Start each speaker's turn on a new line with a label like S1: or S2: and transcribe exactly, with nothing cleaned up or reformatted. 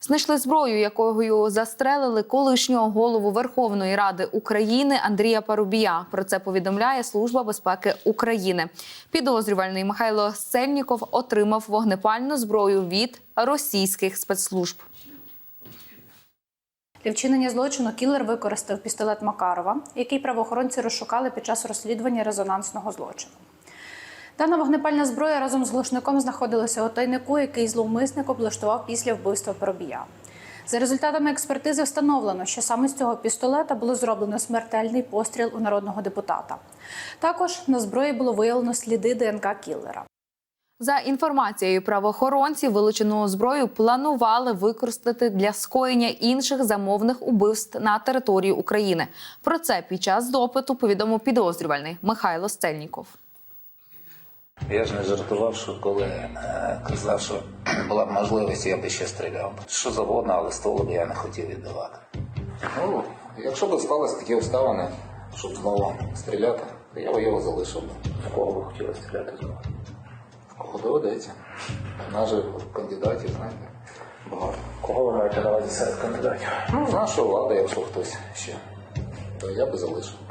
S1: Знайшли зброю, якою застрелили колишнього голову Верховної Ради України Андрія Парубія. Про це повідомляє Служба безпеки України. Підозрюваний Михайло Сельніков отримав вогнепальну зброю від російських спецслужб.
S2: Для вчинення злочину кілер використав пістолет Макарова, який правоохоронці розшукали під час розслідування резонансного злочину. Дана вогнепальна зброя разом з глушником знаходилася у тайнику, який зловмисник облаштував після вбивства Парубія. За результатами експертизи встановлено, що саме з цього пістолета було зроблено смертельний постріл у народного депутата. Також на зброї було виявлено сліди ДНК кілера.
S1: За інформацією правоохоронців, вилучену зброю планували використати для скоєння інших замовних убивств на території України. Про це під час допиту повідомив підозрюваний Михайло Сельніков.
S3: Я ж не жартував, що коли е, казав, що була б можливість, я б ще стріляв. Що завгодно, але ствол я не хотів віддавати. Ну, якщо б склалися такі обставини, щоб знову стріляти, то я б його залишив. В кого ви хотіли стріляти знову? В кого доведеться. У нас же кандидатів, знаєте, багато.
S4: Кого ви маєте на увазі серед кандидатів?
S3: Ну, з нашої влади, якщо хтось ще, то я б залишив.